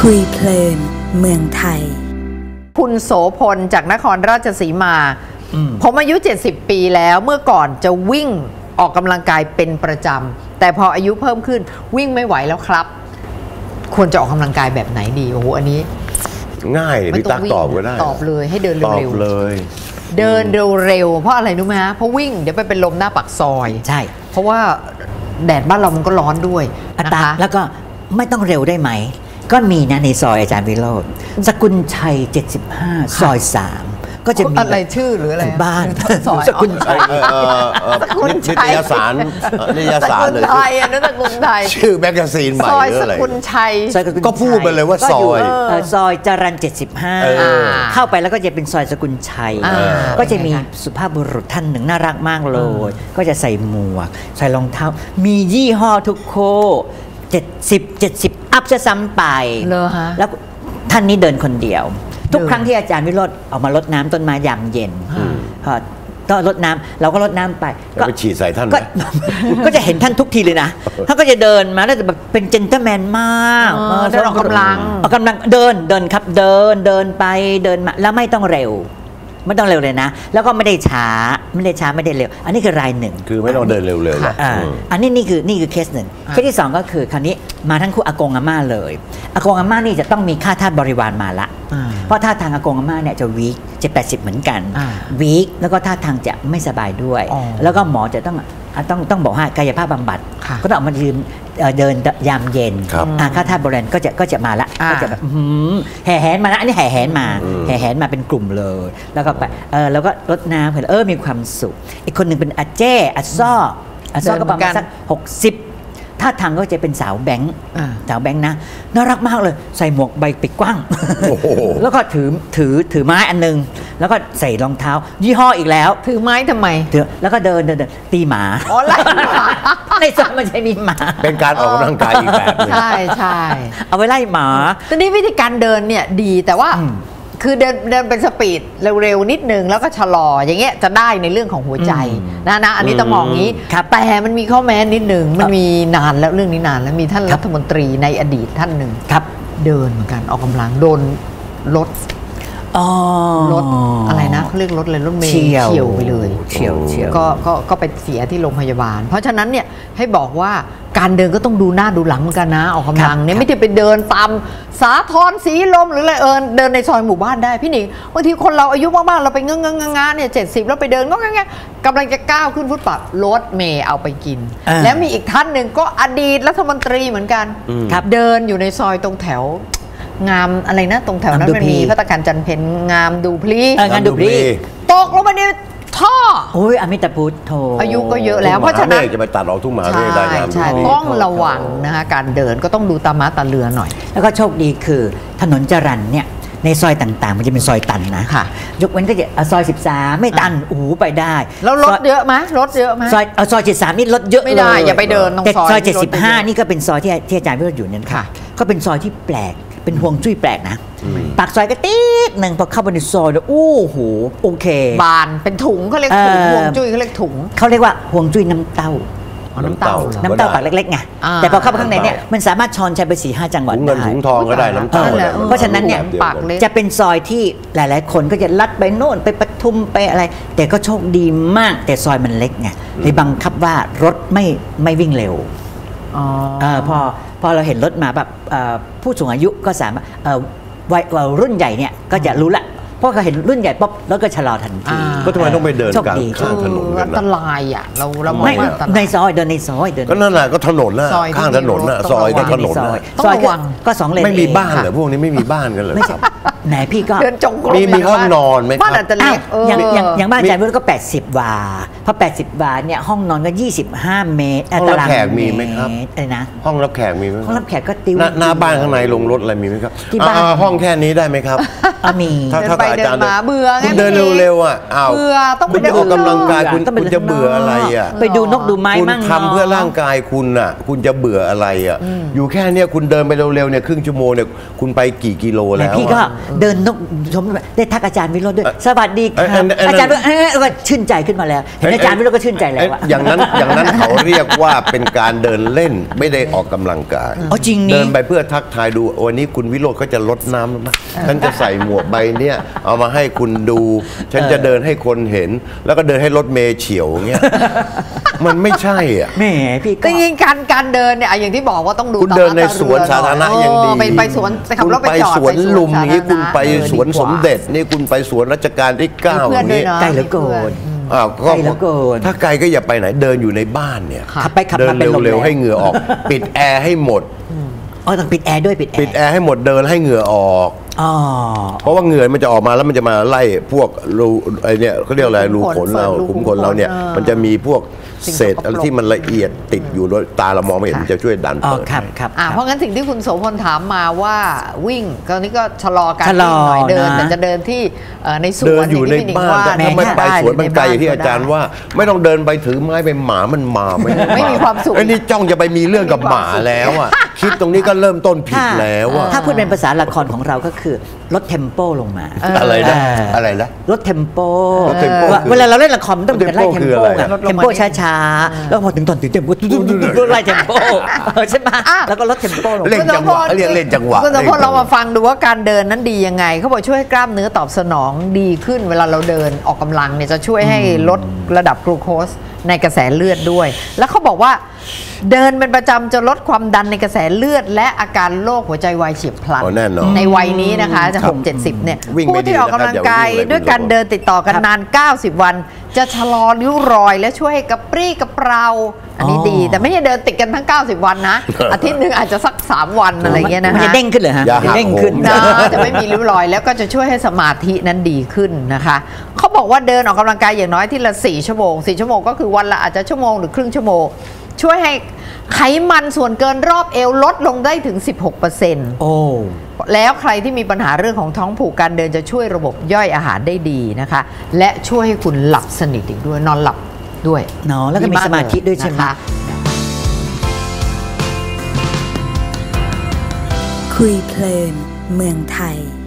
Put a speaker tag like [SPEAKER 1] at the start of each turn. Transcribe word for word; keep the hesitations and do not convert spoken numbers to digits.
[SPEAKER 1] คุยเพลินเมืองไทย
[SPEAKER 2] คุณโสพลจากนครราชสีมาผมอายุเจ็ดสิบปีแล้วเมื่อก่อนจะวิ่งออกกำลังกายเป็นประจำแต่พออายุเพิ่มขึ้นวิ่งไม่ไหวแล้วครับ ควรจะออกกำลังกายแบบไหนดีโอ้โหอันนี้
[SPEAKER 3] ง่ายพี่ตั๊กตอบก็ได้
[SPEAKER 2] ตอบเลยให้เดินเร็ว
[SPEAKER 3] ๆเลย
[SPEAKER 2] เดินเร็วๆเพราะอะไรรู้ไหมฮะเพราะวิ่งเดี๋ยวไปเป็นลมหน้าปากซอย
[SPEAKER 4] ใช่
[SPEAKER 2] เพราะว่าแดดบ้านเรามันก็ร้อนด้วยนะคะ
[SPEAKER 4] แล้วก็ไม่ต้องเร็วได้ไหมก็มีนะในซอยอาจารย์วิโรจน์สกุลชัยเจ็ดสิบห้าซอยสามก็จะมี
[SPEAKER 2] อะไรชื่อหรืออะไร
[SPEAKER 4] บ้าน
[SPEAKER 2] ส
[SPEAKER 4] กุลชัย
[SPEAKER 3] นิตยสารนิตยสารเลย
[SPEAKER 2] ไทยอันนั้นสกุลไทย
[SPEAKER 3] ชื่อแมกกาซีนใหม่
[SPEAKER 2] ซอยสกุลชัย
[SPEAKER 3] ก็พูดไปเลยว่าซอย
[SPEAKER 4] ซอยจรัญเจ็ดสิบห้าเข้าไปแล้วก็จะเป็นซอยสกุลชัยก็จะมีสุภาพบุรุษท่านหนึ่งน่ารักมากเลยก็จะใส่หมวกใส่รองเท้ามียี่ห้อทุกโคเจ็ดสิบเจ็ดสิบอัพจะซ้ำไปแล้วท่านนี้เดินคนเดียวทุกครั้งที่อาจารย์วิโรจน์ออกมารดน้ำต้นไม้ยามเย็นก็รดน้ำเราก็รดน้ำไป
[SPEAKER 3] ก็ไปฉีดใส่ท่าน
[SPEAKER 4] ก็จะเห็นท่านทุกทีเลยนะท่านก็จะเดินมาแล้วแบบเป็นเจนเตอร์แมนมาก
[SPEAKER 2] เดินออกกำลัง
[SPEAKER 4] ออกกำลังเดินเดินครับเดินเดินไปเดินมาแล้วไม่ต้องเร็วไม่ต้องเร็วเลยนะแล้วก็ไม่ได้ช้าไม่ได้ช้าไม่ได้เร็วอันนี้คือรายหนึ่ง
[SPEAKER 3] คือไม่ต้องเดินเร็วเลย
[SPEAKER 4] อันนี้นี่คือนี่คือเคสหนึ่งเคสที่สองก็คือคราวนี้มาทั้งคู่อากงอาม่าเลยอากงอาม่านี่จะต้องมีค่าทาสบริวารมาละเพราะท่าทางอากงอาม่าเนี่ยจะวีคจะแปดสิบเหมือนกันวีคแล้วก็ท่าทางจะไม่สบายด้วยแล้วก็หมอจะต้องต้องต้องบอกว่ากายภาพบำบัดก็ต้องมายืนเดินยามเย็นค่าทาสบริวารก็จะก็จะมาละก็จะแบบแห่แหนมาละอันนี้แห่แหนมาแห่แหนมาเป็นกลุ่มเลยแล้วก็ไปเออแล้วก็รดน้ำเห็นเออมีความสุขอีกคนหนึ่งเป็นอาเจ้อาซ้ออาซ้อก็ประมาณสักหกสิบท่าทางก็จะเป็นสาวแบงค์สาวแบงค์นะน่ารักมากเลยใส่หมวกใบปิดกว้างแล้วก็ถือถือถือไม้อันนึงแล้วก็ใส่รองเท้ายี่ห้ออีกแล้ว
[SPEAKER 2] ถือไม้ทำไม
[SPEAKER 4] ถือแล้วก็เดินเดินตีหมา
[SPEAKER 2] อ๋อไล่หมา
[SPEAKER 4] ในซอยมันใช่มีหมา
[SPEAKER 3] เป็นการออกกำลังกายอีกแบบนึง
[SPEAKER 2] ใช่ใช่
[SPEAKER 4] เอาไว้ไล่หมา
[SPEAKER 2] ตอนนี้วิธีการเดินเนี่ยดีแต่ว่าคือเดินเดินเป็นสปีดเร็วๆนิดนึงแล้วก็ชะลออย่างเงี้ยจะได้ในเรื่องของหัวใจนะนะอันนี้ต้องมองงี้แต่มันมีข้อแม้นิดนึงมันมีนานแล้วเรื่องนี้นานแล้วมีท่านรัฐมนตรีในอดีตท่านหนึ่ง
[SPEAKER 4] ครับ
[SPEAKER 2] เดินเหมือนกันออกกำลังโดนรถรถอะไรนะเขาเรียกรถเลยรถเมล์เฉี่ยวไปเลย
[SPEAKER 4] เฉี่ยวเฉี่ยว
[SPEAKER 2] ก็ก็ก็ไปเสียที่โรงพยาบาลเพราะฉะนั้นเนี่ยให้บอกว่าการเดินก็ต้องดูหน้าดูหลังเหมือนกันนะออกกำลังเนี่ยไม่ใช่ไปเดินตามสาทรสีลมหรืออะไรเออเดินในซอยหมู่บ้านได้พี่หนิงบางทีคนเราอายุมากๆเราไปเงื้องๆงาเนี่ยเจ็ดสิบแล้วไปเดินก็งั้นกำลังจะก้าวขึ้นฟุตบาทรถเมล์เอาไปกินแล้วมีอีกท่านหนึ่งก็อดีตรัฐมนตรีเหมือนกันเดินอยู่ในซอยตรงแถวงามอะไรนะตรงแถวนั้นมันมีพัตตาคารจันเพ็ญงามดูพลี
[SPEAKER 4] งามดูพลี
[SPEAKER 2] ตกลงมาในท่อ
[SPEAKER 4] โอ้ยอมิตาพุทธโธ
[SPEAKER 2] อายุก็เยอะแล้วเพราะฉะนั้น
[SPEAKER 3] จะไปตัดออกทุ่งมหาเมฆได้นะ
[SPEAKER 2] ใช่ต้องระวังนะคะการเดินก็ต้องดูตาม้าตาเรือหน่อย
[SPEAKER 4] แล้วก็โชคดีคือถนนจรัญเนี่ยในซอยต่างๆมันจะเป็นซอยตันนะยกเว้นก็จะซอยสิบสามไม่ตันโอ้โหไปได้
[SPEAKER 2] แล้วรถเยอะไหมรถเยอะไหม
[SPEAKER 4] ซอยซอยเจ็ดสามนี่รถเยอะ
[SPEAKER 2] ไม่ได้อย่าไปเดินตรงซอย
[SPEAKER 4] ซอยเจ็ดสิบห้านี่ก็เป็นซอยที่ที่อาจารย์วิโรจน์อยู่นั่นค่ะก็เป็นซอยที่แปลกเป็นห่วงจุ้ยแปลกนะปากซอยก็ติ๊กหนึ่งพอเข้าไปในซอยแล้วโอ้โหโอเค
[SPEAKER 2] บานเป็นถุงเขาเรียกถุงห่วงจุ้ยเขาเรียกถุง
[SPEAKER 4] เขาเรียกว่าห่วงจุ้ยน้ำเต้า
[SPEAKER 2] น้ำเต้า
[SPEAKER 4] น้ำเต้าปากเล็กๆไงแต่พอเข้าไปข้างในเนี่ยมันสามารถช้อนใช้ไปสี่ห้าจังหวัด
[SPEAKER 3] ได้ถุงเงินถุงทองก็ได้น้ำเต้า
[SPEAKER 4] เพราะฉะนั้นเนี่ยจะเป็นซอยที่หลายๆคนก็จะลัดไปโน่นไปปทุมไปอะไรแต่ก็โชคดีมากแต่ซอยมันเล็กไงเลยบังคับว่ารถไม่ไม่วิ่งเร็วพอพอเราเห็นรถมาแบบผู้สูงอายุก็สามารถวัยรุ่นใหญ่เนี่ยก็จะรู้ละเพราะเขาเห็นรุ่นใหญ่ป๊บแล้วก็ชะลอทันที
[SPEAKER 3] ก็ทำไมต้องไปเดินกลางข้างถนน
[SPEAKER 2] อันตรายอ่ะเราเรา
[SPEAKER 4] ไม่ในซอยเดินในซอยเดิน
[SPEAKER 3] ก็นั่นแหละก็ถนนน่ะข้างถนนน่ะซอยก็ถนน
[SPEAKER 4] ซอยก็สองเลน
[SPEAKER 3] ไม่มีบ้านเหรอพวกนี้ไม่มีบ้านกันเหรอ
[SPEAKER 4] ไหนพี่ก็
[SPEAKER 3] มีมีห้องนอนไหมครับ
[SPEAKER 2] บ้านอาจจะเล็ก
[SPEAKER 4] อย่างอย่างบ้านอาจารย์วิโรจน์ก็แปดสิบวาเพราะแปดสิบวาเนี่ยห้องนอนก็ยี่สิบห้าเมตร
[SPEAKER 3] ห้องรับแขกมีไหมครับ
[SPEAKER 4] อะไรนะ
[SPEAKER 3] ห้องรับแขกมีไหม
[SPEAKER 4] ห้องรับแขกก็ติว
[SPEAKER 3] หน้าบ้านข้างในลงรถอะไรมีไหมครับที่บ้านห้องแค่นี้ได้ไหมครับ
[SPEAKER 4] อ่ะมี
[SPEAKER 3] ถ้า
[SPEAKER 2] เดิน
[SPEAKER 3] ถ้า
[SPEAKER 2] ไป
[SPEAKER 3] อา
[SPEAKER 2] เดิ
[SPEAKER 3] จาร
[SPEAKER 2] น
[SPEAKER 3] ย์
[SPEAKER 2] มาเบื่อไง
[SPEAKER 3] คุณเดิน
[SPEAKER 2] พี่
[SPEAKER 3] เร็วๆอ่ะอ้าว
[SPEAKER 2] เบื่อต้อง
[SPEAKER 3] คุณ
[SPEAKER 2] ไป
[SPEAKER 3] จะออกกำลังกายคุณ
[SPEAKER 4] ต้องไป
[SPEAKER 3] คุณจะเบื่ออะไรอ่ะ
[SPEAKER 4] ไปดูนกดูไม้
[SPEAKER 3] คุณ
[SPEAKER 4] มั่ง
[SPEAKER 3] ทำเพื่อร่างกายคุณน่ะ คุณจะเบื่ออะไรอ่ะ อยู่แค่เนี้ยคุณเดินไปเร็วๆเนี่ยครึ่งชั่วโมงเนี่ยคุณไปกี่กิโล
[SPEAKER 4] แล้
[SPEAKER 3] แล้ว ว
[SPEAKER 4] พี่ก็
[SPEAKER 3] อะ
[SPEAKER 4] เดินนกชมได้ทักอาจารย์วิโรจน์ด้วย สวัสดีค
[SPEAKER 3] เอ้ย
[SPEAKER 4] รับ
[SPEAKER 3] เอ้ยเอ้ย
[SPEAKER 4] อาจารย์วิโรจน์เอ้ยก็ชื่นใจขึ้นมาแล้ว เห็นอาจารย์วิโรจน์ก็ชื่นใจแล้ว
[SPEAKER 3] เอ๊ะ
[SPEAKER 4] อะ
[SPEAKER 3] อย่างนั้นอย่างนั้นเขาเรียกว่าเป็นการเดินเล่นไม่ได้ออกกำลังกาย
[SPEAKER 4] อ๋อจริงนี่
[SPEAKER 3] เดินไปเพื่อทักทายดูวันนี้คุณวิโรจน์ก็จะลดน้ำนะฉันจะใส่หมวกใบเนี้ยเอามาให้คุณดู ฉันจะเดินให้คนเห็น แล้วก็เดินให้รถเมย์เฉียวเงี้ยมันไม่ใช่อ่ะ
[SPEAKER 4] แหมพี่ก็
[SPEAKER 2] แต่จริงๆการการเดินเนี่ยอย่างที่บอกว่าต้องดู
[SPEAKER 3] คุณเดินใน
[SPEAKER 2] ตาม
[SPEAKER 3] สวนสาธารณะยังดี
[SPEAKER 2] เออไปไปสวนขับรถไป
[SPEAKER 3] คุณ
[SPEAKER 2] จอด
[SPEAKER 3] สวนลุมอย่างนี้คุณไป
[SPEAKER 2] เออ
[SPEAKER 3] สวน
[SPEAKER 2] ดีก
[SPEAKER 3] สมเด็จนี่คุณไปสวนรัชกาลที่เก้า
[SPEAKER 2] มี
[SPEAKER 3] อ
[SPEAKER 2] เพื่อน
[SPEAKER 3] ย่าง
[SPEAKER 2] ด้วย
[SPEAKER 3] นี้
[SPEAKER 2] เนาะ
[SPEAKER 4] ใกล้เหลือเกิน
[SPEAKER 3] อ้าว
[SPEAKER 4] ไกลเหลือเกิน
[SPEAKER 3] ถ้าไกลก็อย่าไปไหนเดินอยู่ในบ้านเนี่ย
[SPEAKER 4] ขับไปขับ
[SPEAKER 3] เดิ
[SPEAKER 4] มาน เป็นลม
[SPEAKER 3] เร็ว
[SPEAKER 4] แล้
[SPEAKER 3] ๆให้เหงื่อออก ปิดแอร์ให้หมด
[SPEAKER 4] อ๋อต้องปิดแอร์ด้วยปิดแอ
[SPEAKER 3] ปิด
[SPEAKER 4] ร์
[SPEAKER 3] แอร์ให้หมดเดินให้เหงื่อออก
[SPEAKER 4] อ๋อ
[SPEAKER 3] เพราะว่าเหงื่อมันจะออกมาแล้วมันจะมาไล่พวกรูไอเนี่ยเขาเรียกอะไรรูขนเรา
[SPEAKER 2] รู
[SPEAKER 3] ขุม
[SPEAKER 2] ขุม
[SPEAKER 3] ขนเราเนี่ย
[SPEAKER 2] ขนเออ
[SPEAKER 3] มันจะมีพวก
[SPEAKER 2] สิ่ง
[SPEAKER 3] เศษ
[SPEAKER 2] สกปรก
[SPEAKER 3] อะไรที่มันละเอียดติดอยู่โดยตาเรามองไม่เห็น
[SPEAKER 2] ค่ะ
[SPEAKER 3] มันจะช่วยดัน
[SPEAKER 4] อ๋อ
[SPEAKER 3] เปิด
[SPEAKER 4] ครับ
[SPEAKER 3] ให้
[SPEAKER 4] ครับ
[SPEAKER 2] อ่ะ
[SPEAKER 4] ครับ
[SPEAKER 2] เพราะงั้นสิ่งที่คุณโสพลถามมาว่าวิ่งตอนนี้ก็ชะลอการ
[SPEAKER 4] ชะลอ
[SPEAKER 2] วิ่งหน่อยเดิน
[SPEAKER 4] นะ
[SPEAKER 2] แต่จะเดินที่เอ่อในสวน
[SPEAKER 3] เดินอยู่ใน
[SPEAKER 2] งที่พี่
[SPEAKER 3] บ้าน
[SPEAKER 2] ว่า
[SPEAKER 3] แต่
[SPEAKER 2] เนี่ย
[SPEAKER 3] ถ้าไม่ไป
[SPEAKER 2] ด้
[SPEAKER 3] สวนมันไกลอย่างที่
[SPEAKER 2] ห
[SPEAKER 3] อาจารย์ว่า ไม่ต้องเดินไปถือไม้ไปหมามันมาไม่
[SPEAKER 2] ไม่มีความสุข
[SPEAKER 3] ไอ้นี่จ้องจะไปมีเรื่องกับหมาแล้วอ่ะคิดตรงนี้ก็เริ่มต้นผิด
[SPEAKER 4] ถ้า
[SPEAKER 3] แล้วอ่ะ
[SPEAKER 4] ถ้าพูดเป็นภาษาละครของเราก็คือลดเทมโปลงมา
[SPEAKER 3] อะไรนะ
[SPEAKER 4] เอออ
[SPEAKER 3] อะไรนะ
[SPEAKER 4] ลดเทมโป
[SPEAKER 3] ลด tempo
[SPEAKER 4] ว่า
[SPEAKER 3] คือ
[SPEAKER 4] เวลาเราเล่นละครมันต้องเป็นไล่
[SPEAKER 3] tempo
[SPEAKER 4] เทม
[SPEAKER 3] คือ
[SPEAKER 4] โป
[SPEAKER 3] อะไร
[SPEAKER 4] ไง
[SPEAKER 3] อะ
[SPEAKER 4] เทมโปช้าๆ แล้วพอถึงตอนตื่นเต้นก็ไล่เทมโปใช่ไหมแล้วก็ลดเทมโปลง
[SPEAKER 3] เล่นจังหวะเรียกเล่นจังหวะ
[SPEAKER 2] คุณสมพลเรามาฟังดูว่าการเดินนั้นดียังไงเขาบอกช่วยให้กล้ามเนื้อตอบสนองดีขึ้นเวลาเราเดินออกกำลังเนี่ยจะช่วยให้ลดระดับกลูโคสในกระแสเลือดด้วย แล้วเขาบอกว่าเดินเป็นประจำจะลดความดันในกระแสเลือด และอาการโรคหัวใจวายเฉียบพลัน
[SPEAKER 3] อ๋อแน่นอน
[SPEAKER 2] ในวัยนี้นะคะจะ
[SPEAKER 3] ครับ
[SPEAKER 2] หกเจ็ดสิบเนี่ย
[SPEAKER 3] วิ่งไม่
[SPEAKER 2] ผู้ที่ออกกำลังกาย
[SPEAKER 3] ดีนะครับอย่าวิ่งเลย
[SPEAKER 2] ด้วยการเดินติดต่อกันนาน เก้าสิบ วัน จะชะลอริ้วรอย และช่วยให้กระปรี้กระเปร่าอันนี้ดี แต่ไม่ใช่เดินติดกันทั้ง เก้าสิบ วันนะ อาทิตย์หนึ่งอาจจะสักสามวันอะไรอย่างเงี้ยนะ
[SPEAKER 4] มันจะ
[SPEAKER 2] ฮะ
[SPEAKER 4] เด้งขึ้นเหรอฮะ
[SPEAKER 3] อย่าหัก
[SPEAKER 4] จะเด้งขึ้น
[SPEAKER 3] โหม
[SPEAKER 2] นะจะไม่มีริ้วรอยแล้วก็จะช่วยให้สมาธินั้นดีขึ้นนะคะเขาบอกว่าเดินออกกำลังกายอย่างน้อยที่ละสี่ชั่วโมงสี่ชั่วโมงก็คือวันละอาจจะชั่วโมงหรือครึ่งชั่วโมงช่วยให้ไขมันส่วนเกินรอบเอวลดลงได้ถึง สิบหกเปอร์เซ็นต์
[SPEAKER 4] โอ้
[SPEAKER 2] แล้วใครที่มีปัญหาเรื่องของท้องผูกการเดินจะช่วยระบบย่อยอาหารได้ดีนะคะและช่วยให้คุณหลับสนิทอีกด้วยนอนหลับด้วย
[SPEAKER 4] เนาะแล้วก็มีสมาธิด้วยใช่ไหม
[SPEAKER 2] นะคะ
[SPEAKER 1] คุยเพลินเมืองไทย